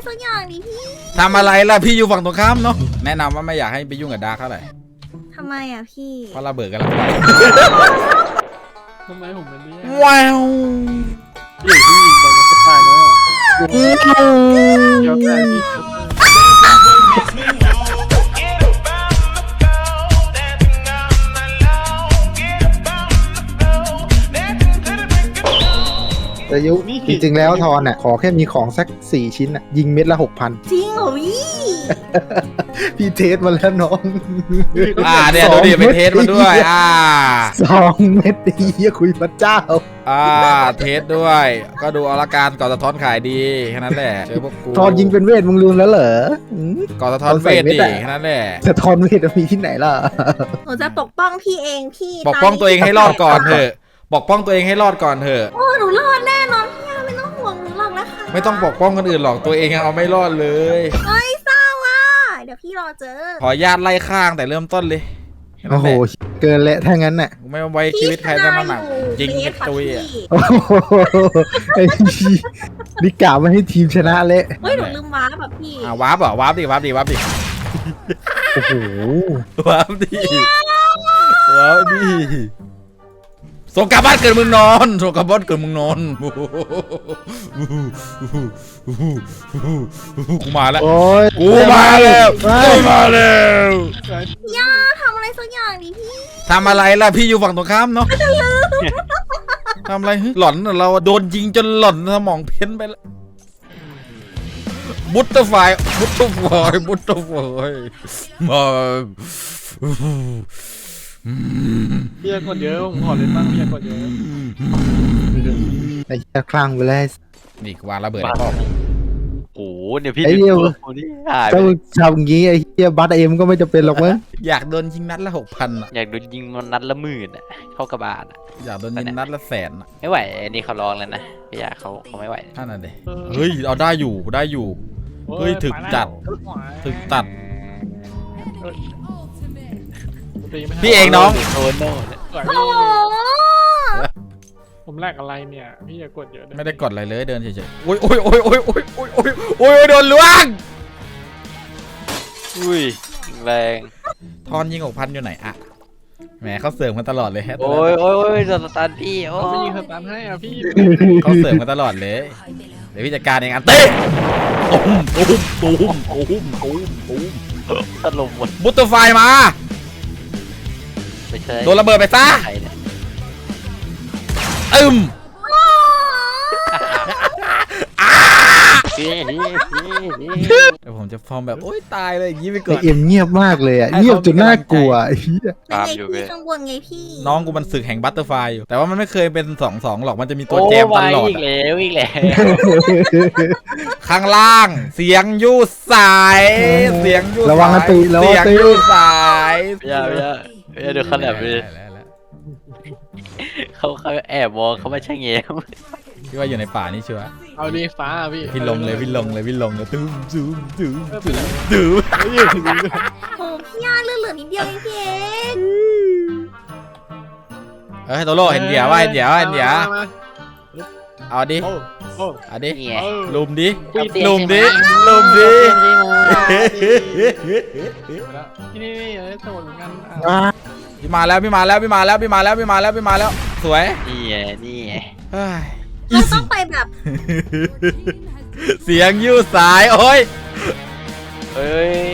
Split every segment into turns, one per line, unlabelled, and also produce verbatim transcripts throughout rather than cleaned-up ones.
สักอย่างดิพี่
ทำอะไรล่ะพี่อยู่ฝั่งตรงข้ามเนาะแนะนำว่าไม่อยากให้ไปยุ่งกับดาร์คเท่าไหร่
ทำไมอ่ะพี่
เพราะระเบิดกันแล้วไป
ทำไมผมเป็นเนี่ย
ว้าว
อยู่ที่ยิงไปก็ตายแล้วเดี๋ยวแต่พี่
แต่ยุจริงๆแล้วทอนอ่ะขอแค่มีของสักสี่ชิ้นอ่ะยิงเม็ดละหกพัน
จริงเหรอพี่
พี่เทสมาแล้วน้อง
อ่าเนี่ยดูดิไปเทสมาด้วยอ่า
สองเม็ดดีคุยพระเจ้า
อ่าเทสด้วยก็ดูเอาละการก่อนสะท้อนขายดีแค่นั้นแหละเจอพวกกู
ทอนยิงเป็นเวทมึงลืมแล้วเหรอ
ก่อนสะท้อนเวทดิแค่นั้นแหละ
สะท้อนเวทมีที่ไหนล่ะ
หนูจะปกป้องพี่เองพี่
ปกป้องตัวเองให้รอดก่อนเถอะปกป้องตัวเองให้รอดก่อนเถอะ
โอ้หนูรอดแน่นอนพี่ไม่ต้องห่วงหนูหรอกนะคะ
ไม่ต้องปกป้องคนอื่นหรอกตัวเองเอาไม่รอดเลย
เฮ้ยเศร้าอ่ะเดี๋ยวพี่รอเจอ
ขอญาตไล่ข้างแต่เริ่มต้นเลย
โอ้โหเกินแล้วถ้างั้นน่ะ
ไม่ไว้ชีวิตใครทั้งนั้นหนักจริงกับตุยอ่ะ
นี่กล่าวมาให้ทีมชนะเละ
เฮ้ยหนูลืมวาร์ปแบบพี่
อ่าวาร์ปเหรอวาร์ปดิวาร์ปดิวาร์ปดิ
โอ้โห
วาร์ปดิวาร์ปดิส่งกลับบ้านเกิดมึงนอนส่งกลับบ้านเกิดมึงนอนกูมาแล้วกูมาแล้วกูมาแล้ว
ย่าทำอะไรสักอย่างดิพี่
ทำอะไรล่ะพี่อยู่ฝั่งตรงข้ามเนาะทำอะไรหล่อนเราโดนยิงจนหล่อนสมองเพี้ยนไปแล้วบุตเตอร์ไฟบุตเตอร์ไฟบุตเตอร์ไฟมา
พี่คนเยอะผมขอเล่นบ้างพี่คนเยอะ
ไอ้เจ้าคลั่งไปเลย
นี่วางระเบิดในป้อม
โอ้เดี๋ยวพี่
ไอ้เดียวถ้าทำงี้ไอ้เหี้ยบัตเอ็มก็ไม่จะเป็นหรอกมั้ง
อยากโดนยิงนัดละหกพันอ่ะ
อยากโดนยิงนัดละหมื่นอ่ะเข้ากระบาลอ่ะ
อยากโดนยิงนัดละแสนอ่ะ
ไม่ไหวอันนี้เขาลองแล้วนะพี่อยากเขาเขาไม่ไหว
ท่านั่นเลยเฮ้ยเอาได้อยู่ได้อยู่เฮ้ยถึกจัดถึกตัดพี่เองน้อง
โอ้โห
ผมแลกอะไรเนี่ยพี่อย่ากดเยอะ
ไม่ได้กดอะไรเลยเดินเฉยๆโอ้ยโอ้ยโอ้ยโอ้ยโอ้ยโอ้ยโอ้ยโอ้ยโดนล้วง
อุ้ยแรง
ทอนยิงหกพันอยู่ไหนอะแหมเขาเสริมกันตลอดเลยฮะ
โอ้ยโอ้ยโอ้ยโดนสตันพี่โอ้
ไม่ยิงสตันให้อ่ะพี่
เขาเสริมกันตลอดเลยเดี๋ยวพี่จัดการเองอันเต้ตุ้มตุ้มตุ้มตุ้มตุ้มตุ้ม
ตลบหมด
บุตเตอร์ไฟมาโดนระเบิดไปซะอึมเดี๋ยวผมจะฟอร์มแบบโอ๊ยตายเลยอย่างนี้ไปก่อน
เอ็มเงียบมากเลยอ่ะเงียบจนน่ากลัวไอ้เหี้ย
ไงพี่ข้างบนไงพี่
น้องกูมันศึกแห่งบัตเตอร์ไฟอยู่แต่ว่ามันไม่เคยเป็นสองสองหรอกมันจะมีตัวแจมตลอด
อีกแล้วอีกแล้ว
ข้างล่างเสียงยูสายเสียงยู
ระวังตีระวังตี
สาย
อย่าอย่าอย่าดูขนาดนี้เขาเขาแอบมองเขาไม่ใช่เงี้ย
พี่ว่าอยู่ในป่านี่ชัวร์
เอาดีฟ้าพี่
พี่ลงเลยพี่ลงเลยพี่ลงเลยตุ้มตุ้มตุ้มตุ้มตุ้ม
โอ้พี่ย่าเลือดเหลือนิดเดียวเองพี่เอง
เฮ้ยโตโร่เห็นเดี๋ยวว่าเห็นเดี๋ยวเห็นเดี๋ยวเอาดิเอาดิลุมดิลุมดิลุมดิ
นี่นี่นี่สมุนกัน
พี่มาแล้วพี่มาแล้วพี่มาแล้วพี่มาแล้วพี่มาแล้วพี่มาแล้วสวย
นี่ไงนี่ไง
เราต้องไปแบบ
เสียงยูสายโอ้ย
เอ้ย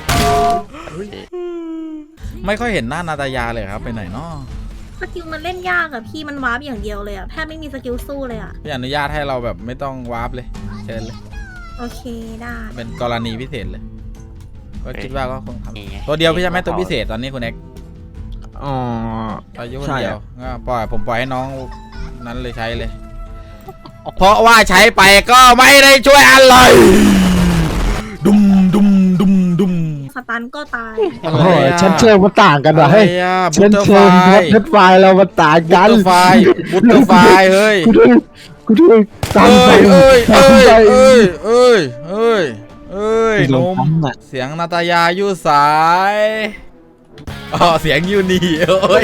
ไม่ค่อยเห็นหน้านาตายาเลยครับไปไหนเนาะ
สกิลมันเล่นยากอะพี่มันวาร์ปอย่างเดียวเลยอะแทบไม่มีสกิลสู้เลยอะ
พี่อนุญาตให้เราแบบไม่ต้องวาร์ปเลยเชิญเลย
โอเคได้
เป็นกรณีพิเศษเลยก็คิดว่าก็คงทำตัวเดียวพี่จะไม่ตัวพิเศษตอนนี้คุณเอ็ก
อ๋อ
อายุคนเดียวก็ปล่อยผมปล่อยให้น้องนั้นเลยใช้เลยเพราะว่าใช้ไปก็ไม่ได้ช่วยอะไรดุมดุมดุมดุม
สตันก็ตาย
โอ้โหฉันเชื่อมันต่างกันเหรอเฮ้ยฉันเชื่อพัดไฟเรามันต่างกัน
บุตเตอร์ไฟบุตเตอร์ไฟเฮ้ย
กูด้วยกูด้วยตามไป
เอ้ยเอ้ยเอ้ยเอ้ยเอ้ยเอ้ยนมเสียงนาตายายูสายอ๋อเสียงยูนี่โอ้ย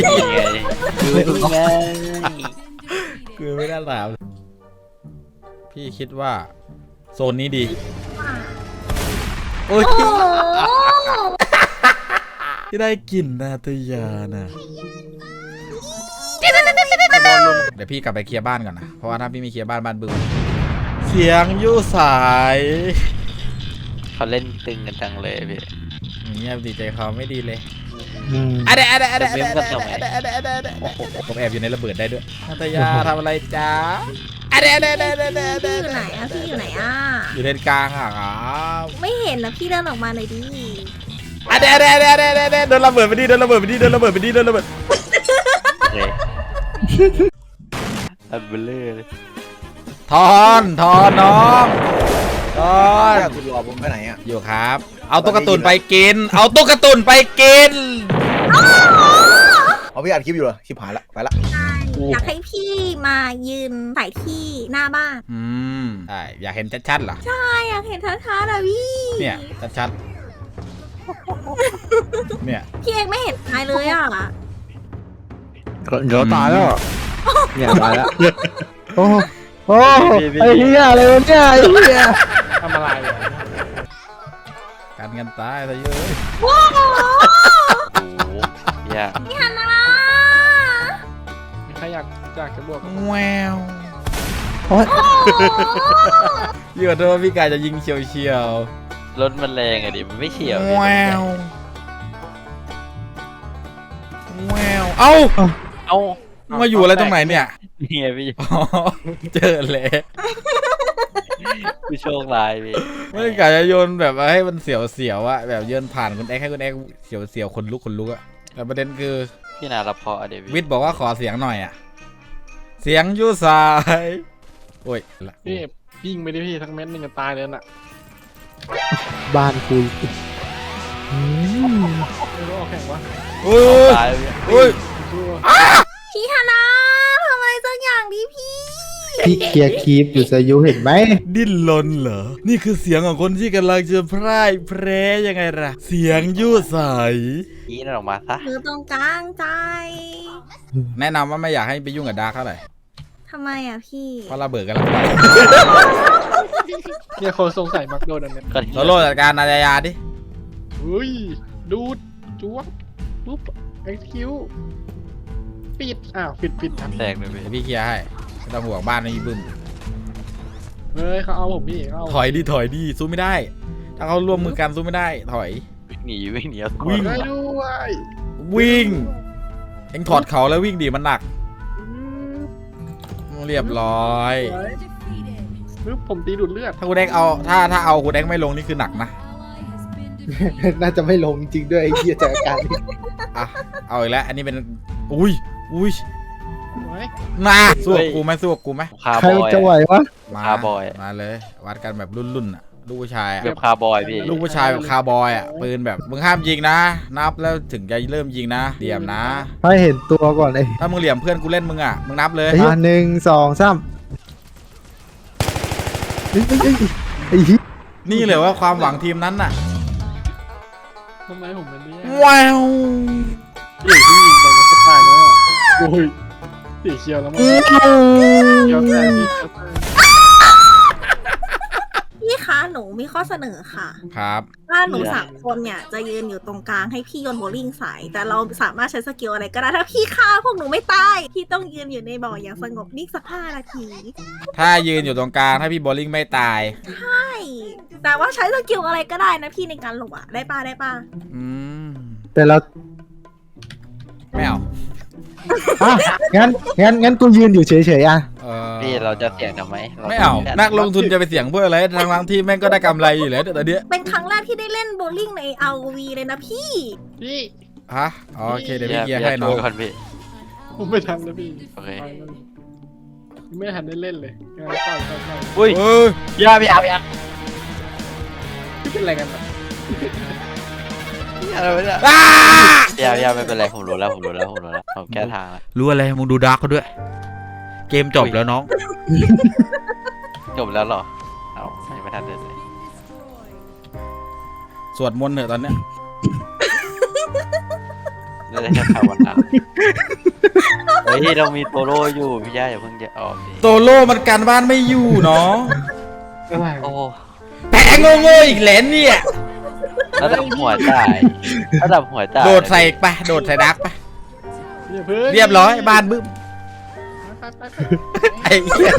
คือไม่ได้ถามพี่คิดว่าโซนนี้ดีโอ้ย
โอ้โห
ที่ได้กลิ่นนาตยานะเดี๋ยวพี่กลับไปเคลียร์บ้านก่อนนะเพราะว่าถ้าพี่ไม่เคลียร์บ้านบ้านบึ้มเสียงยู่สาย
เขาเล่นตึงกันจังเลยพี่
เงียบดีใจเขาไม่ดีเลย
อืม
อะเดะอะเดะอะเดะ
จะเว้นกันทำไม
ผมแอบอยู่ในระเบิดได้ด้วยนาตยาทำอะไรจ้าอะเดะอะเดะอะเดะอะเดะอะ
พี่อยู่
เดะ
ไหนอะพี่อยู่ไหนอะ
อยู่เลนกลางอ่ะครับ
ไม่เห็นนะพี่เดินออกมาหน่อยดิ
อะเดะอะเดะอะเดะอะเดะอะเดะโดนระเบิดไปดิโดนระเบิดไปดิโดนระเบิดไปดิโดนระเบิด
เลยอันเบลเลอร์เลย
ทอนทอนน้องทอน
คุณรอผมไปไหนอ่ะ
อยู่ครับ เอาตุ๊กตุนไปกิน เอาตุ๊กตุนไปกิน
เอาพี่อัดคลิปอยู่เหรอคลิปหายละไปละ
อยากให้พี่มายืนใส่ที่หน้าบ้าน
อืมใช่อยากเห็นชัดๆเหรอ
ใช่อยากเห็นท้าๆอะพี่
เนี่ยชัดๆเนี่ย
พี่เอกไม่เห็นใครเลยอะ
เดี๋ยวตายแล้วเนี่ยตายแล้วโอ้โอ้ไอ้เหี้ยอะไรวะเนี่ยไอ้เหี้ย
ทำอะไรอ่ะ
กันกันตายซะเยอะ
โอ้โห
โอ้โหยาก
พี่ฮันนา
มีใครอยากอยากจะบวกกับผม
แวว
โอ้ย
พี่ขอโทษพี่กายจะยิงเฉียวเฉียว
รถมันแรงอะดิมันไม่เฉียว
แววแววเอ้า
เอ้า
มาอยู่อะไรตรงไหนเนี่ย
นี่ไงพี่
อ๋อเจอเลย
ผู้โชคร้ายพี่
ไม่ได้กะจะโยนแบบว่าให้มันเสียวเสียวๆอะแบบโยนผ่านคุณแอ๊กให้คุณแอ๊กเสียวเสียวๆคนลุกคนลุกอะแต่ประเด็นคือ
พี่นารับพออะเดี๋ยว
วิ
พี่
ทย์บอกว่าขอเสียงหน่อยอะเสียงยูสายโอ้ยละ
พี่ยิงไปดิพี่ทั้งเม็ดหนึงจะตายเลยน่ะ
บ้านคุยอืม
ไม่รู้เอาแข่งวะ
โอ้ย
ตายเลยพี่
โอ้ย
สู้
พี่ฮันนาทำอะไรสักอย่างดิพี่
พี่เคลียร์คีปอยู่สายุเห็นไหม
ดิ้นรนเหรอนี่คือเสียงของคนที่กำลังจะพร่ายแพร่ยังไงล่ะเสียงยูสาย
ยีนั่นออกมาซะ
หรือตรงกลางใจ
แนะนำว่าไม่อยากให้ไปยุ่งกับดาร์กเท่าไหร่
ทำไมอะพี่
เพราะระเบิดกันแล้วไป
เนี่ยคนสงสัยมักโดนอันเนี้ย
ก็
โซโล่จัดการนายายาดิ
อุ้ยดูดจ้วบปุ๊บเอ็กซ์คิวปิดอ้าวปิดปิดทัน
แตกเลยพี่
เดี๋ยวพี่เคลียร์ให้ไม่ต้องห่วงบ้านไม่มีบึ้ม
เฮ้ยเขาเอาผมพี่เขาเอา
ถอยดิถอยดิสู้ไม่ได้ ถ้าเขาร่วมมือกันสู้ไม่ได้ ถอย
วิ่งหนีวิ่งหนีเอาตัว
วิ่ง
ได้ด้วย
วิ่งเอ็งถอดเขาแล้ววิ่งดิมันหนัก
อืม
เรียบร้อย
ปึ๊บผมตีดูดเลือด
ถ้าคุณแดงเอาถ้าถ้าเอาคุณแดงไม่ลงนี่คือหนักนะ
น่าจะไม่ลงจริงด้วยไอ้เหี้ยจากอาการนี้
อ่ะเอาอีกแล้วอันนี้เป็นอุ้ยอุ้ย
ไว้
มาสู้กับกูไหมสู้กับกูไหม
คาร์
ใคร
บอย
จะไหววะ
มา
คาร์บอย
มาเลยวัดกันแบบรุ่นๆอ่ะลูกผู้ชายอ่ะ
แบบคาร์บอยพี่
ลูกผู้ชายแบบคาร์บอยอ่ะปืนแบบมึงห้ามยิงนะ นับแล้วถึงจะเริ่มยิงนะเหลี่ยมนะ
ให้เห็นตัวก่อนไอ้
ถ้ามึงเหลี่ยมเพื่อนกูเล่นมึงอ่ะมึงนับเลย
อ่ะหนึ่งสองสามเฮ้ยเฮ้ยเฮ้ยไอ้เหี้ย
นี่เลยว่าความหวังทีมนั้นน่ะ
ทำไมผมเป็นเนี่ย
ว้าว
อยู่ที่ยิงไปแล้วก็ตายแล้วอ่ะโอ้ยสีเขียวแล้วมั้งเขียวแต่พี่เขียวแต่
พี่คะหนูมีข้อเสนอค่ะ
ครับ
ว่าหนูสามคนเนี่ยจะยืนอยู่ตรงกลางให้พี่โยนโบว์ลิ่งใส่แต่เราสามารถใช้สกิลอะไรก็ได้ถ้าพี่ฆ่าพวกหนูไม่ตายพี่ต้องยืนอยู่ในบ่ออย่างสงบนิ่งสักห้านาที
ถ้ายืนอยู่ตรงกลางถ้าพี่โบลิ่งไม่ตาย
ใช่แต่ว่าใช้สกิลอะไรก็ได้นะพี่ในการหลบอะได้ป่ะได้ป่ะ
อืม
แต่เรา
ไม่เอา
อ่ะงั้นงั้นงั้นกูยืนอยู่เฉยๆอ่ะ
เออ
พี่เราจะเสี่ยงทำไมร
ไม่เอานักลงทุนจะไปเสี่ยงเพื่ออะไรทางทางๆที่แม่งก็ได้กำไรอยู่แล้วแต่เดี๋ยว
เป็นครั้งแรกที่ได้เล่นโบว์ลิ่งใน อาร์ โอ วี เลยนะพี่
พี่
ฮะอ๋อโอเคเดี๋ยว
อ
พี่
ย่า
เคลียร์ให้น้อง
ย่าโทษก่อนพี่
ผมไม่ทันแล้วพี่
โอเค
ไปแล้วไม่ทันได้เล่นเลยงานต่อยต่อยต่อย
อุ้ย
เออ
อย่าพี่อาพี่อา
พี่เป็นอะไรกันอ่ะ
อะไรวะเนี่ย
อ้า
อย่าอย่าไม่เป็นไรผมรู้แล้วผมรู้แล้วผมรู้แล้วผมแก้ทางแล้ว
รู้อะไรมึงดูดาร์กเขาด้วย เกมจบแล้วน้อง
จบแล้วเหรอเอายังไม่ทันเดินเลย
สวดมนต์เถอะตอนเนี้ย
ได้แค่ภาวนาเฮ้ยเรามีโตโร่อยู่พี่ย่าอย่าเพิ่งจะออกดิ
โตโร่มันการบ้านไม่อยู่เนาะ
อะไร
โอ้
แพ้โง่ๆอีกแหลนเนี่ย
ระดับหัวจ่ายระดับหัวจ่าย
โดดใส่ไปโดดใส่ดักไป
อย่าเพิ่ง
เรียบร้อยบ้านบึ้มไอ้เหี้ย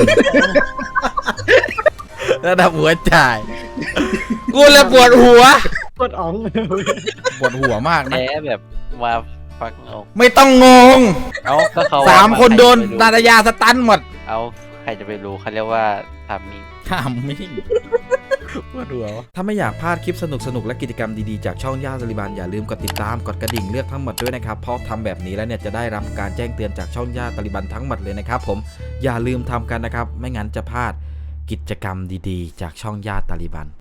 ระดับหัวจ่ายกูเลยปวดหัว
กดอ๋องเลย
ปวดหัวมากนะ
แพ้แบบมาฟักเอา
ไม่ต้องงง
เอาก็เขา
สามคนโดน
ใครจะไปรู้
ตาตายาสตันหมด
เอาใครจะไปรู้เขาเรียกว่าทำมิง
ทำมิ่งปวดหัวถ้าไม่อยากพลาดคลิปสนุกๆและกิจกรรมดีๆจากช่องย่าตาลิบันอย่าลืมกดติดตามกดกระดิ่งเลือกทั้งหมดด้วยนะครับเพราะทำแบบนี้แล้วเนี่ยจะได้รับการแจ้งเตือนจากช่องย่าตาลิบันทั้งหมดเลยนะครับผมอย่าลืมทำกันนะครับไม่งั้นจะพลาดกิจกรรมดีๆ จากช่องย่าตาลิบัน